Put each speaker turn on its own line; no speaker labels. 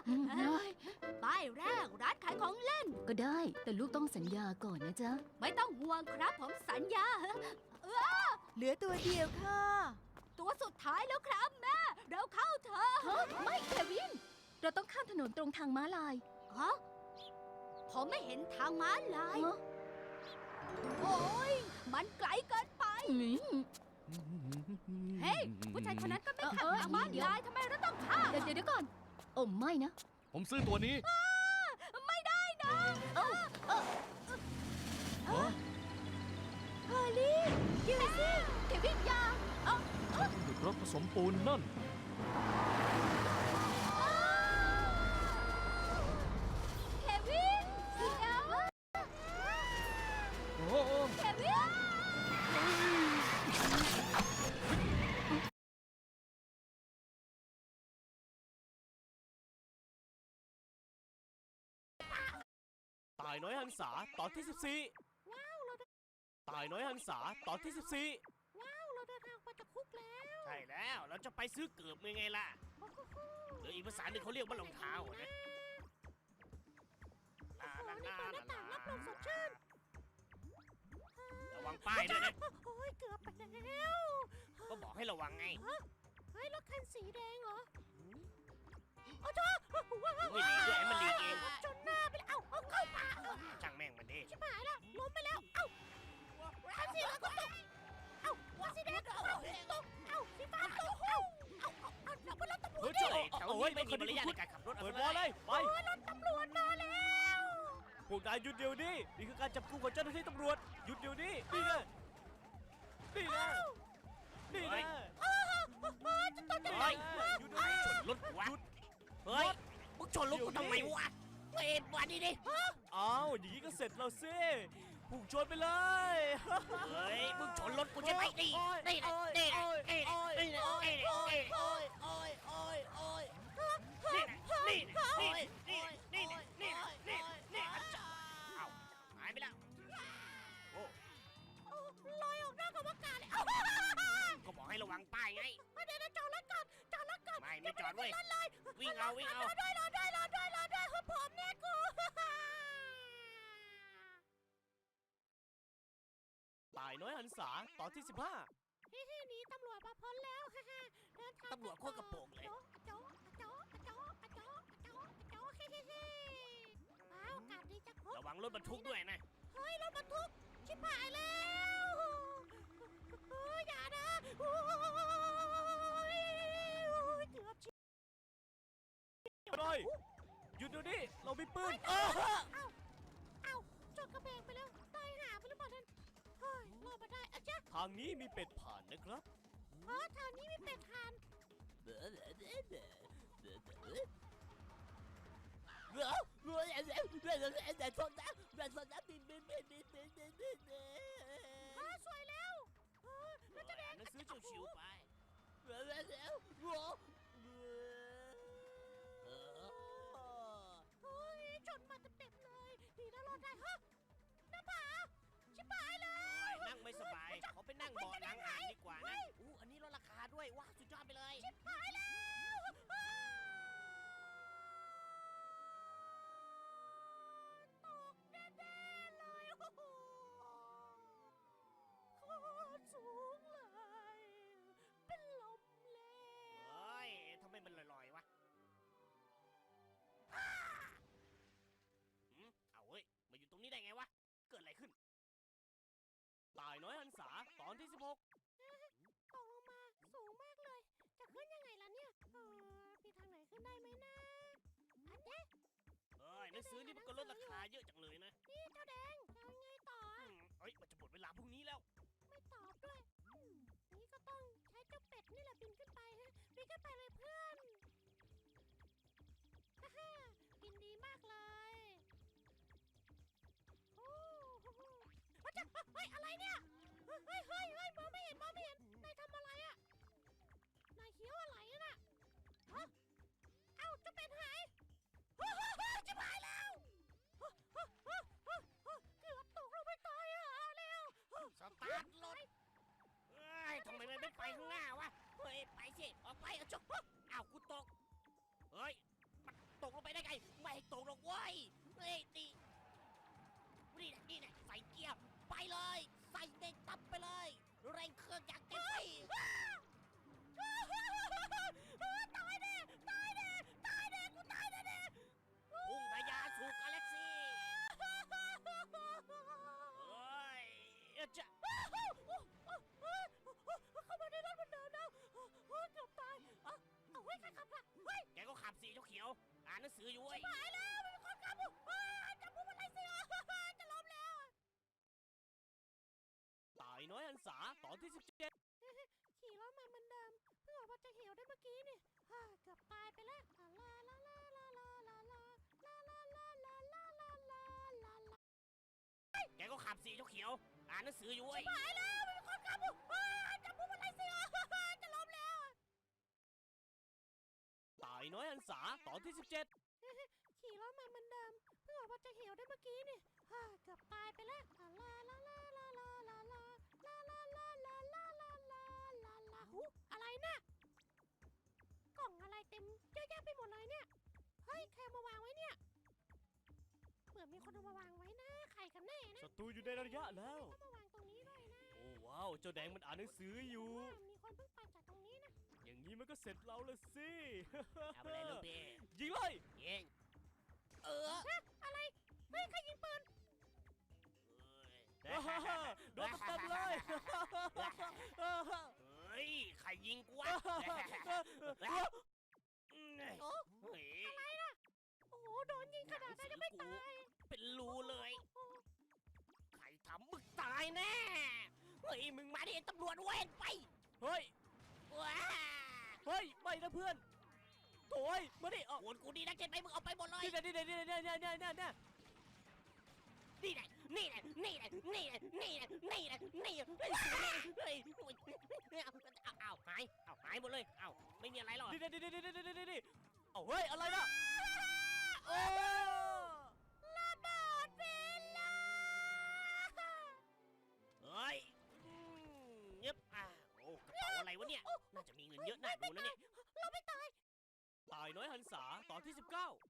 ป้ายแรกร้านขายของเล่น
ก็ได้แต่ลูกต้องสัญญาก่อนนะจ๊ะ
ไม่ต้องห่วงครับผมสัญญา
เหลือตัวเดียวค่ะ
ตัวสุดท้ายแล้วครับแม่เราเข้าเถอะ
ไม่เควิน เราต้องข้ามถนนตรงทางม้าลาย
ฮะผมไม่เห็นทางม้าลาย
ฮะ
โอ้ยมันไกลเกินไป เฮ้ยผู้ชายคนนั้นก็ไม่ขับทางม้าลายทำไมเราต้องข้าม
เดี๋ยวก่อน โอ้ไม่นะ
ผมซื้อตัวนี้
ไม่ได้นะ
ฮะ
ฮอลลี่ดูสิเควินยา
หยุดรถผสมปูนนั่น
เควินเดี๋ยว
โอ้โห
เควิน
ตายน้อยหันษาตอนที่ 14ตายน้อยหันษาตอนที่ 14
ว้าวเราเดินทางมาจากคุกแล้ว
ใช่แล้วเราจะไปซื้อเกือบไงล่ะหรืออีกภาษาหนึ่งเขาเรียกว่ารองเท้านะ
นี่เปิดหน้าต่างรับลมสดชื่น
ระวังป้ายด้วยนะ
โอ้ยเกือบไปแล้ว
ก็บอกให้ระวังไง
เฮ้ยรถคันสีแดงเหรอโอ้โหว้าว
ไม่หลีกด้วยให้มันหลีกเอง
จนหน้าไปแล้วเอาเข้าป่า
ช่างแม่งมันดิ
ชิบหายแล้วล้มไปแล้วเอ้าคันสีเหลืองก็ตกเอ้าคันสีแดงก็ตกเอ้าสีฟ้าตกเอ้าเราเป็นรถตำรว
เฮ้
จ
ยเจ้าแถวนี้ไม่มีมารยาทในการขับรถ
เปิดวอลเลย ไป
รถตำรวจมาแล้ว
พวกนายหยุดเดี๋ยวนี้ นี่คือการจับกุมของเจ้าหน้าที่ตำรวจ หยุดเดี๋ยวนี้ นี่นะนี่นะนี่นะ
จะต้องจะ
เฮ้ย
หยุดเดี๋ยวนี้
ชนรถวะเฮ้ยมึงชนรถกูทำไมวะเฮ้ยมาดิดิ
อ้าวอย่างนี้ก็เสร็จแล้วสิพุ่งชนไปเลย
เฮ้ยมึงชนรถกูใช่ไหมนี่นี่นะนี่นะนี่นะนี่นะนี่นะนี่นะนี่นะนี่นะนี่นะนี่นะนี่นะนี่นะนี่นะเอ้าหายไปแล้วโอ้
ลอยออกนอกอวกาศเลย
ก็บอกให้ระวังป้ายไง
เดี๋ยวจอดรถก่อนจอดรถก่อน
ไม่จอดเว้ยวิ่งเอาวิ่งเอา
รอด้วยคือผมเนี่ยกู
ตายน้อยหันษาตอนที่ 15
หนีตำรวจมาพ้นแล้วเดินทาง
ตำรวจโคตรกระโปรงเลย
โจ๊ว้าวอากาศดีจัง
ระวังรถบรรทุกด้วยนะ
เฮ้ยรถบรรทุกชิบหายแล้วเฮ้ยอย่านะโอ้ยเกือบชิบ
เลยหยุดเดี๋ยวนี้ เรามีปืน
เอ้าจดกระเบงไปแล้วตายหาไปหรือเปล่าท่านเฮ้ยรอดมาได้อะจ๊ะ
ทางนี้มีเป็ดผ่านนะครับ
ทางนี้มีเป็ดทาน สวยแล้วแล้วจะแดง
หนังสือชิวๆไป
เฮ้ยชนมาเต็มๆเลยดีนะรอดได้ฮะหน้าผาชิบหายเลย
นั่งไม่สบายขอไปนั่งเบาะหลังอ่านดีกว่านะอันนี้ลดราคาด้วยว้าสุดยอดไปเลย
ชิบหายแล้วตกแน่ๆเลยโอ้โหโคตรสูงเลย เป็นลมแล้ว
เฮ้ยทำไมมันลอยๆวะเอาเว้ยมาอยู่ตรงนี้ได้ไงวะเกิดอะไรขึ้น
ตายน้อยหันษาตอนที่ 16
ตกลงมาสูงมากเลย จะขึ้นยังไงล่ะเนี่ยมีทางไหนขึ้นได้ไหมนะอันเนี้ย
เฮ้ยหนังสือนี่มันก็ลดราคาเยอะจังเลยนะ
นี่เจ้าแดงจะเอายังไงต่อ
เฮ้ยมันจะหมดเวลาพรุ่งนี้แล้ว
ไม่ตอบด้วยนี่ก็ต้องใช้เจ้าเป็ดนี่แหละบินขึ้นไปฮะบินขึ้นไปเลยเพื่อนฮ่าฮ่าบินดีมากเลยโอ้โหเฮ้ยอะไรเนี่ยเฮ้ยมองไม่เห็นนายทำอะไรอะนายเคี้ยวอะไรน่ะฮะเอ้าเจ้าเป็ดหายจะหายแล้วเกือบตกลงไปตายแล้ว
สตาร์ทรถเฮ้ยทำไมมันไม่ไปข้างหน้าวะ เฮ้ย ไปสิ ออกไปเอาจบขียวอ่านหนังสืออยู่เว้ย
หายแล้วมีคนขับผมจับผมอะไรสิจะล้มแล้ว
ตายน้อยหันษาตอนที่ 17
ขี่รถมาเหมือนเดิมเพิ่งออกมาจากเหวได้เมื่อกี้นี่เกือบตายไปแล้วลาลาลาลาลาลาลาลาลาลาลาลาลาลาลาลา
แกก็ขับสิเจ้าเขียวอ่านหนังสืออยู่เว้ย
หายแล้วมีคนขับผมจับผมอะไรสิจะล้มแล้ว
ตายน้อยหันษาตอนที่ 17
ขี่รถมาเหมือนเดิมเพิ่งออกมาจากเหวได้เมื่อกี้นี่เกือบตายไปแล้วลาลาลาลาลาลาลาลาลาลาลาลาลาลาลาลาหูอะไรน่ะกล่องอะไรเต็มเยอะแยะไปหมดเลยเนี่ยเฮ้ยใครเอามาวางไว้เนี่ยเหมือนมีคนเอามาวางไว้นะใครกันแน่นะ
ศัตรูอยู่ในระยะแล้ว
ต้องมาวางตรงนี้ด้วยนะ
โอ้ว้าวเจ้าแดงมันอ่านหนังสืออยู่
มีคนเพิ่งไปจากตรงนี้นะ
อย่างนี้มันก็เสร็จเราละสิ
เอาไปเลยลูกพี่
ยิงเลย
ยิง
อะไรเฮ้ยใครยิงปืน
โดนเต็มๆเลย
เฮ้ยใครยิงกูวะเฮ้ย
โอ้โหโดนยิงขนาดนั้นยังไม่ตาย
เป็นรูเลย ใครทำมึงตายแน่ เฮ้ยมึงมาดิตำรวจเว้นไป
เฮ้ย
ว้า
เฮ้ย ไม่นะเพื่อนโถ่ยมาดิออก
โอนกูดีนักเจ็ดไปมึงเอาไปหมดเลย
นี่นะนี่นะนี่นะนี่นะนี่นะนี่นะ
นี่แหละนี่แหละนี่แหละนี่แหละนี่แหละนี่แหละนี่แหละเฮ้ยเอาหายเอาหายหมดเลยเอาไม่มีอะไรหรอก
นี่นะนี่นะนี่นะนี่นะนี่เอาเฮ้ย อะไรนะโอ้
ระเบิดเวลา
เฮ้ยเงียบโอ้กระเป๋าอะไรวะเนี่ยน่าจะมีเงินเยอะน่าดูนะเนี่ย
เราไม่ตาย
ตายน้อยหันษาตอนที่ 19